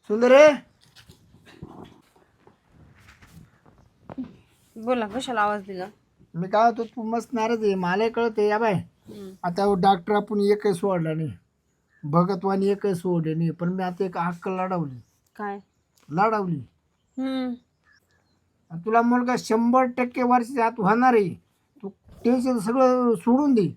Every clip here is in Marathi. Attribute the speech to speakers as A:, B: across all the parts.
A: सुंदरे
B: बोला, कशाला आवाज दिला?
A: मी काय होतो तू मस्त नाराज आहे मला कळते या बाय. आता डॉक्टर आपण एकही सोडला नाही, भगतवानी एकही सोडले नाही, पण मी आता एक हक्क लढवली.
B: काय?
A: लढवली.
B: हम्म.
A: आणि तुला मुलगा 100% वर्षाच्या आत होणार आहे. तू टेन्शन सगळं सोडून दे.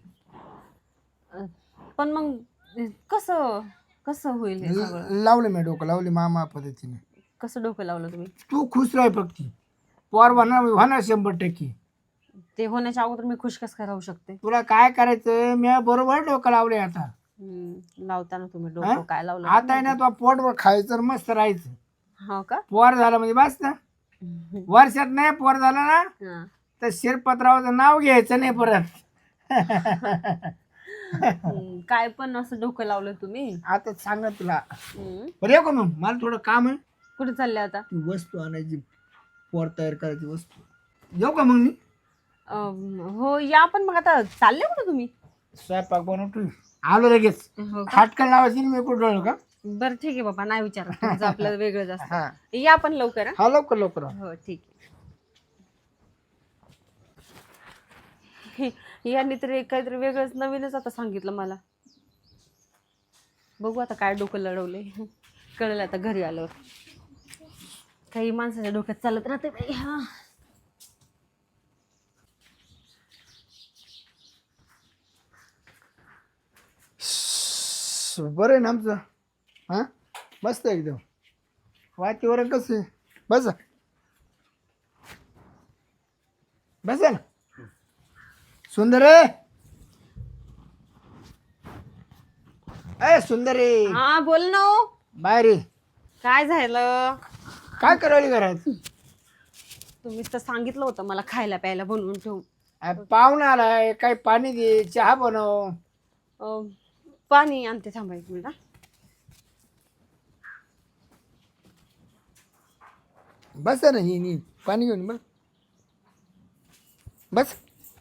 B: पण मग कसं कसं होईल हे सगळं?
A: लावलं मी डोकं लावली मामा पद्धतीने.
B: कसं डोकं लावलं तुम्ही?
A: तू खुश राह फक्त. पोर होणार होणार 100%.
B: ते होण्याच्या अगोदर मी खुश कसं काय राहू शकते?
A: तुला काय करायचं मी बरोबर डोकं लावले आता.
B: लावताना तुम्ही
A: हा?
B: डोकं काय लावलं?
A: आता आहे ना तुला पोटवर खायचं आणि मस्त राहायचं.
B: हो का?
A: पोर झालं म्हणजे बस ना. वर्षात नाही पोर झालं ना
B: हा.
A: तर शिरपतरावाचं नाव घ्यायचं नाही परत.
B: काय पण असं डोकं लावलं तुम्ही?
A: आता सांग ना तुला.
B: हम्म.
A: बरं येऊ का मग मला थोडं काम आहे.
B: कुठे चालले आता?
A: ती वस्तू आणायची, पोर तयार करायची वस्तू. येऊ का मग मी?
B: हो या, पण मग आता चालले कुठे तुम्ही?
A: स्वयंपाक बनवतो आलो लगेच.
B: हो का?
A: हाटकन लावायची ना मी कुठं का.
B: बरं ठीक आहे बाबा, नाही विचारत. तुमचं आपलं वेगळं जास्त.
A: हा
B: या पण लवकर. हा?
A: हा लवकर लवकर.
B: हो ठीक आहे. यांनी तरी काहीतरी वेगळंच नवीनच आता सांगितलं मला. बघू आता काय डोकं लढवले. कळलं आता घरी आल्यावर. काही माणसाच्या डोक्यात चालत राहते बाई. हा.
A: बरं आहे ना आमचं. हा मस्त आहे एकदम. वातावरण कसं आहे? बसा बसा ना. सुंदर आहे. सुंदर आहे.
B: हा बोल ना.
A: बाहेर ये.
B: काय झालं?
A: काय करायला घरात?
B: तुम्हीच तर सांगितलं होतं मला खायला प्यायला बनवून ठेवू.
A: पाहुणा आलाय, काही पाणी दे, चहा बनव.
B: पाणी आणते, थांबा एक मिनिट.
A: बस ना ही पाणी घेऊन बस बस.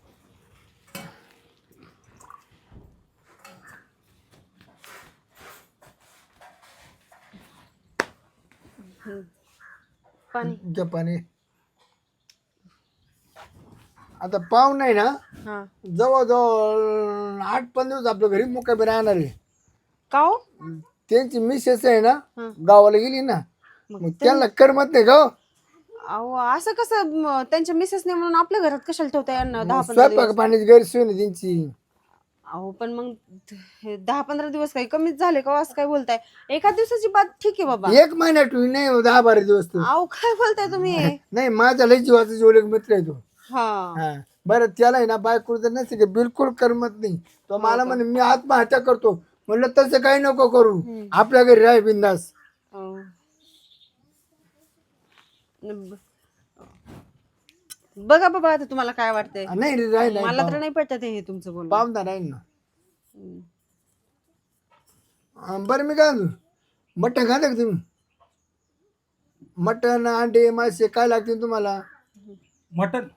B: पाणी.
A: घ्या पाणी. आता पाहुणा आहे ना
B: हा.
A: जवळजवळ 8-15 दिवस आपल्या घरी मुक्कामी राहणार आहे.
B: का हो?
A: त्यांची मिसेस आहे ना
B: हा.
A: गावाला गेली ना, मग त्यांना करमत नाही का.
B: अहो असं कसं? त्यांच्या मिसेसने म्हणून आपल्या घरात कशाला ठेवता यांना 10-15
A: स्वयंपाक
B: दिवस?
A: पाण्याची गैरसोय ना त्यांची.
B: अहो पण मग 10-15 दिवस काही कमीच झाले का? असं काय बोलताय? एका दिवसाची बात ठीक आहे बाबा.
A: 1 महिना ठेवून नाही 10-12 दिवस तो.
B: अहो काय बोलताय तुम्ही?
A: नाही माझा लय जीवाचा जेवढे मित्र आहे तो.
B: हा.
A: हा बरं त्याला आहे ना बायको जर नसते की बिलकुल करमत नाही. तो मला म्हणे मी आत्महत्या करतो. म्हणलं तसं काही नको करू, आपल्या घरी राह बिंदास.
B: बघा बाबा आता तुम्हाला काय वाटतंय.
A: नाही रे राह
B: मला तर नाही पटत हे तुमचं बोलणं.
A: पाहुणा राहील ना. बरं मी काय म्हणतो, मटण खाता का तुम्ही? मटण अंडे मासे काय लागतील तुम्हाला?
C: मटन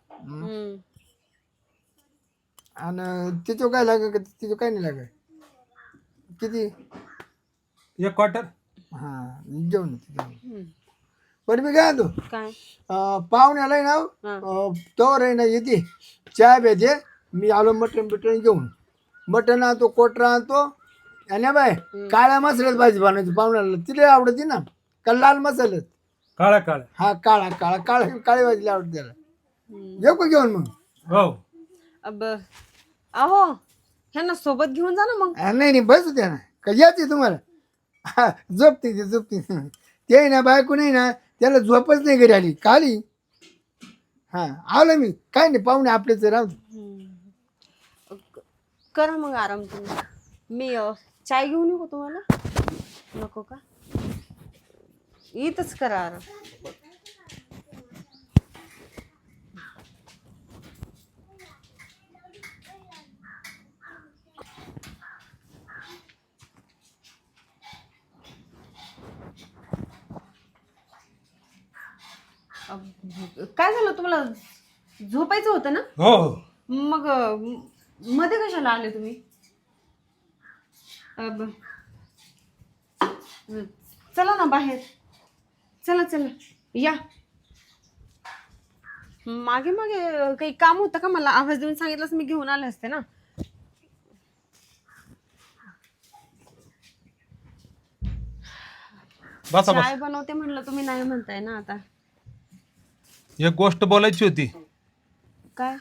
A: आणि तिचं काय लागेल का? तिचं काय नाही लागेल. किती?
C: 1 क्वार्टर.
A: हा जेवण. बरं मी काय म्हणतो,
B: काय?
A: पाहुण्याला आहे ना तोवर आहे ना येते चहा भेटे. मी आलो मटण बिटण घेऊन. मटण आणतो, कोटरा आणतो. आणि बाय काळ्या मसाल्यात भाजी बनवायची पाहुण्याला, तिला आवडते ना का लाल मसाल्यात?
C: काळा काळा.
A: हा काळा काळा काळा काळी भाजी आवडते त्याला. येऊ का घेऊन मग?
C: हो.
B: अहो ह्यांना सोबत घेऊन जा ना मग.
A: नाही नाही बस द्या ना. का यायचे तुम्हाला? हा झोपते ते झोपते. ते आहे ना बायको नाही ना त्याला झोपच नाही घरी आली खाली. हा आलो मी. काय नाही पाहुणे आपलेच राहू.
B: करा मग आराम तुम्ही. मी चाय घेऊन येऊ का तुम्हाला? नको का? इथंच करा आराम. काय झालं तुम्हाला? झोपायचं होतं ना?
C: हो.
B: मग मध्ये कशाला आले तुम्ही? चला ना बाहेर. चला चला या. मागे मागे काही काम होतं का? मला आवाज देऊन सांगितलं मी घेऊन आले असते ना.
C: बसा
B: चाय
C: बस.
B: बनवते म्हणलं, तुम्ही नाही म्हणताय ना आता.
C: एक गोष्ट बोलायची होती.
B: काय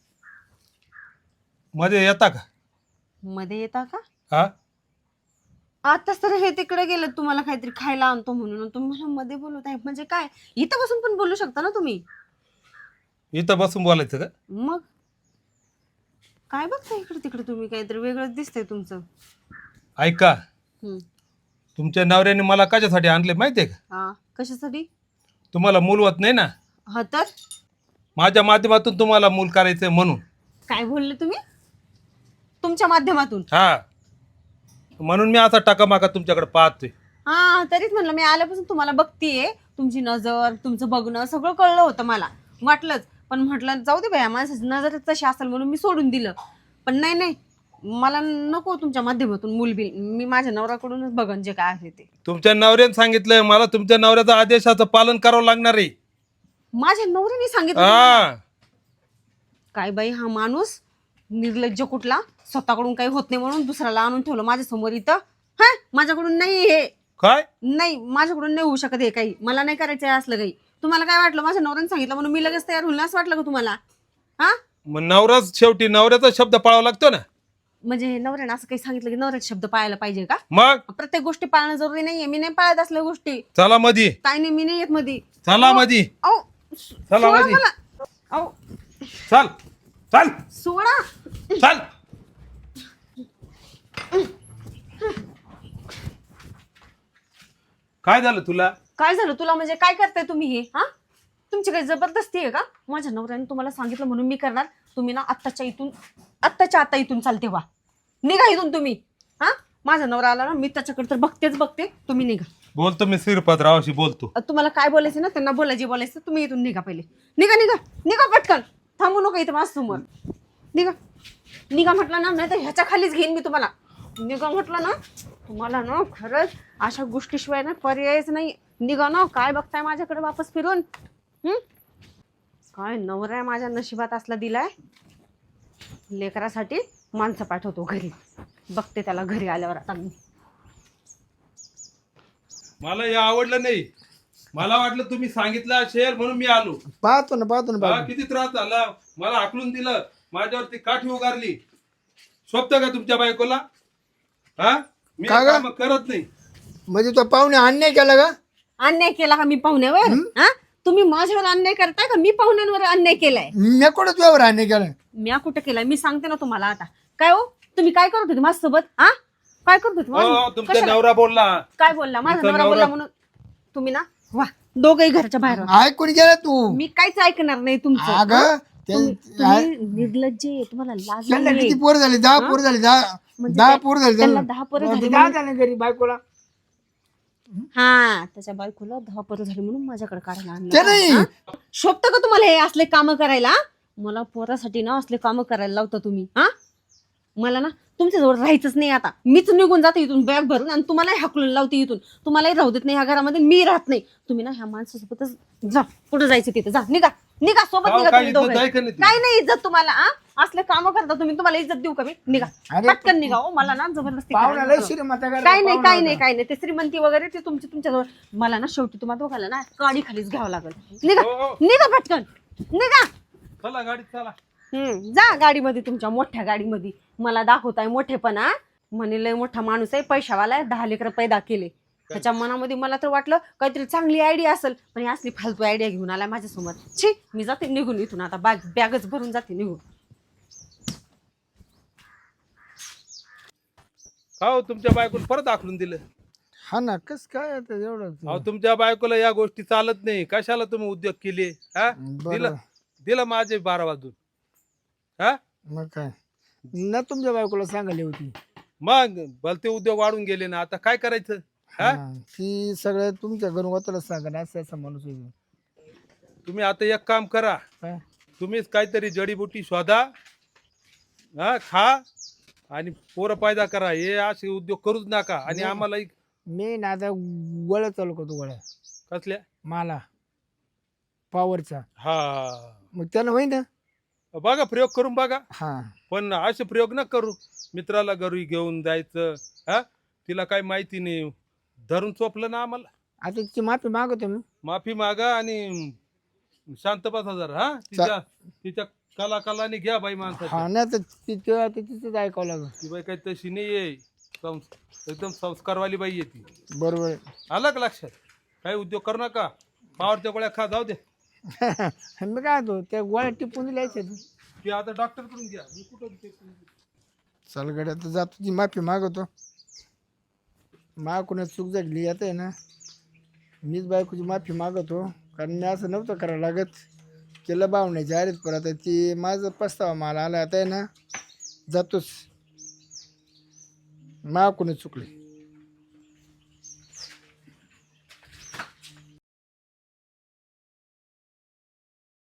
C: मध्ये येता का?
B: मध्ये येता का?
C: हा,
B: आताच तर हे तिकडे गेलं, तुम्हाला काहीतरी खायला आणतो म्हणून तुम्ही मला मध्ये बोलत आहे म्हणजे काय? इथं बसून पण बोलू शकता ना तुम्ही.
C: इथं बसून बोलायचं का?
B: मग काय बघता इकडे तिकडे तुम्ही? काहीतरी वेगळंच दिसतंय तुमचं.
C: ऐका,
B: हम्म.
C: तुमच्या नवऱ्याने मला कशासाठी आणले माहितीये का?
B: हा, कशासाठी?
C: तुम्हाला मूल होत नाही ना,
B: हा तर
C: माझ्या माध्यमातून तुम्हाला मूल करायचंय म्हणून.
B: काय बोलले तुम्ही? तुमच्या माध्यमातून?
C: हा, म्हणून मी असा टाकामाका तुमच्याकडे पाहतोय.
B: हा, तरीच म्हणलं मी आल्यापासून तुम्हाला बघतीये. तुमची नजर, तुमचं बघणं सगळं कळलं होतं मला, वाटलंच. पण म्हटलं जाऊ दे बाया, माणसाची नजर तशी असेल म्हणून मी सोडून दिलं. पण नाही नाही, मला नको तुमच्या माध्यमातून मूलबिल. मी माझ्या नवऱ्याकडूनच बघन जे काय आहे ते.
C: तुमच्या नवऱ्याने सांगितलंय मला, तुमच्या नवऱ्याच्या आदेशाचं पालन करावं लागणार आहे.
B: माझ्या नवऱ्याने सांगितलं तुम्हाला?
C: हा,
B: काय बाई हा माणूस निर्लज्ज कुठला. स्वतःकडून काही होत नाही म्हणून दुसऱ्याला आणून ठेवलं माझ्या समोर इथं. हा, माझ्याकडून नाही हे.
C: काय?
B: नाही, माझ्याकडून नाही होऊ शकत हे काही. मला नाही करायचं आहे असलं काही. तुम्हाला काय वाटलं? माझ्या नवऱ्याने सांगितलं म्हणून मी लगेच तयार होईल असं वाटलं का तुम्हाला? हा,
C: मग नवराच शेवटी नवऱ्याचा शब्द पाळावा लागतो ना.
B: म्हणजे नवऱ्याने असं काही सांगितलं की नवऱ्याचे शब्द पाळायला पाहिजे का?
C: मग
B: प्रत्येक गोष्टी पाळणं जरुरी नाहीये. मी नाही पाळत असल्या गोष्टी.
C: चला मधी,
B: काय नाही, मी नाही येत मध्ये.
C: चला मधी,
B: अहो,
C: चला
B: सोडा
C: मधी.
B: मला. अहो,
C: चल चल
B: सोडा.
C: चल. काय झालं तुला?
B: काय झालं तुला म्हणजे? काय करताय तुम्ही हे? हा, तुमची काही जबरदस्ती आहे का? माझ्या नवऱ्याने तुम्हाला सांगितलं म्हणून मी करणार. तुम्ही ना आत्ताच्या आता इथून चालते व्हा. निघा इथून तुम्ही. हा, माझा नवरा आला ना, मी त्याच्याकडे तर बघतेच बघते. तुम्ही निघा.
C: बोलतो मी श्रीपादरावशी बोलतो.
B: तुम्हाला काय बोलायचं ना, त्यांना बोलायचे बोलायचं. तुम्ही इथून निघा पहिले. निघा निघा निघा पटकन. थांबू नका इथं माझ्या समोर. निघा निघा म्हटलं ना, नाही तर ह्याच्या खालीच घेईन मी तुम्हाला. निघा म्हटलं ना, तुम्हाला ना खरंच अशा गोष्टीशिवाय ना पर्यायच नाही. निघा ना. काय बघताय माझ्याकडे वापस फिरून? काय नवरा आहे माझ्या नशिबात असला दिलाय. लेकरासाठी माणसं पाठवतो घरी. बघते त्याला घरी आल्यावर आता मी.
C: मला हे आवडलं नाही. मला वाटलं तुम्ही सांगितलं असेल म्हणून मी आलो.
A: पाहतो ना
C: हा,
A: बाबा.
C: किती त्रास झाला. मला हाकलून दिलं, माझ्यावरती काठी उगारली. स्वप्त का तुमच्या बायकोला? हा, मी
A: का ग?
C: काम करत नाही.
A: म्हणजे तो पाहुणे अन्याय केला का?
B: अन्याय केला का मी पाहुण्यावर? हा, तुम्ही माझ्यावर अन्याय करताय का मी पाहुण्यांवर अन्याय केलाय?
A: मी कुठं तुझ्यावर अन्याय केला?
B: मी कुठं केलाय? मी सांगते ना तुम्हाला आता. काय हो, तुम्ही काय करत होते माझ्यासोबत? हा, काय करत होते
C: हो,
B: माझ्या-
C: तुमचा
B: कशाला?
C: नवरा बोलला.
B: काय बोलला? माझा
C: तुमचा
B: नवरा
C: नवरा-
B: बोलला म्हणून तुम्ही ना वा दोघही घरच्या बाहेर व्हा.
A: ऐकून गेला तू?
B: मी काहीच ऐकणार नाही तुमचं.
A: अगं
B: तुम्ही निर्लज्ज आहे. तुम्हाला लाज
A: त्यांना
B: नाहीये.
A: किती पोर झाले? 10 पोर झाले. 10
B: म्हणजे
A: 10
B: ते-
A: पोर झाले
B: त्यांना
A: त्यांना.
B: 10 पोरं
A: मग
B: झाली
A: ते 10 झाले घरी बायकोला.
B: हा, त्याच्या बायकोला 10 पोरं झाली म्हणून माझ्याकडे काढायला
A: ते
B: आणलं.
A: नाही.
B: हा? शोभतं का तुम्हाला हे असले काम करायला? मला पोरासाठी ना असले काम करायला लावता तुम्ही. हा, मला ना तुमच्याजवळ राहायचंच नाही आता. मीच निघून जाते इथून बॅग भरून आणि तुम्हालाही हाकलून लावते इथून. तुम्हालाही राहू देत नाही ह्या घरामध्ये. मी राहत नाही. तुम्ही ना ह्या माणसासोबतच जा. कुठं जायचं तिथं जा. निघा निघा सोबत
C: अहो,
B: निघा
C: काय
B: तुम्ही
C: इज्जत
B: दोघं.
C: आहे का नाही तुझी?
B: काय नाही इज्जत तुम्हाला? असले काम करता तुम्ही. तुम्हाला इज्जत देऊ का मी? निघा
A: अरे,
B: पटकन निघा. हो, मला ना जबरदस्ती
A: पाहुण्याला
B: करायला नको.
A: श्रीमंत करायला
B: काय नाही
A: पाहुणा
B: काय नाही
A: होता.
B: काय नाही. ते श्रीमंती वगैरे ते तुमच्याजवळ. मला ना शेवटी तुम्हाला दोघाला ना गाडी खालीच घ्यावं लागेल. निघा
C: हो, हो.
B: निघा पटकन निघा.
C: चला गाडीत चला.
B: जा गाडीमध्ये, तुमच्या मोठ्या गाडीमध्ये. मला दाखवताय मोठेपणा. म्हणे लय मोठा माणूस आहे, पैशावाला आहे, 10 लेकरं पैदा केले. त्याच्या मनामध्ये मला तर वाटलं काहीतरी चांगली आयडिया असेल, पण ही असली फालतू आयडिया घेऊन आलाय माझ्यासमोर. छी, मी जाते निघून इथून आता. बॅगच भरून जाते निघून.
C: हो, तुमच्या बायकोला परत आखलून दिलं.
A: हा ना, कस काय आता एवढं?
C: अहो, तुमच्या बायकोला या गोष्टी चालत नाही. कशाला तुम्ही उद्योग केले? हा,
A: बरं.
C: दिलं माझे 12 वाजून. हा,
A: मग काय ना, तुमच्या बायकोला सांगायला होती.
C: मग भलते उद्योग वाढून गेले ना. आता काय करायचं? हा,
A: ती सगळं तुमच्या घरून होताला सांगा. असं असा माणूस होईल.
C: तुम्ही आता एक काम करा.
A: काय?
C: तुम्हीच काहीतरी जडीबुटी शोधा, हा, खा आणि पोरं पैदा करा. हे असे उद्योग करूच नका. आणि आम्हाला
A: मी ना आता गोळ्या चालू करतो. गोळ्या
C: कसल्या
A: मला पॉवरचा
C: हा
A: मग त्यानं होईन ना.
C: बघा प्रयोग करून बघा,
A: हा
C: पण असे प्रयोग न करू. मित्राला घरी घेऊन जायचं, हा तिला काही माहिती नाही, धरून चोपलं ना आम्हाला.
A: आता तिची माफी मागवतो मी.
C: माफी मागा आणि शांत बसा जरा. हा तिच्या तिच्या कलाने घ्या बाई माणसाच्या.
A: हा नाही तर तिचं तिचंच ऐकावं लागेल.
C: ती बाई काही तशी नाही आहे, एकदम संस्कारवाली बाई आहे ती.
A: बरोबर आहे.
C: आलं का लक्षात? काही उद्योग करू नका, पावरच्या गोळ्या खा, जाऊ दे.
A: मी काय होतो त्या गोळ्या टिपून दिल्यायच्या.
C: ती आता डॉक्टर कडून घ्या, मी कुठं ते.
A: चल गड्या तर जातो, ती माफी मागवतो. कोणा चूक झाली आता आहे ना, मीच बायकोची माफी मागवतो. कारण मी असं नव्हतं करायला लागत. केलं भावण्याची आरेच, पण आता ती माझं पस्तावा मला आला आता आहे ना, जातोच. कोणी चुकले.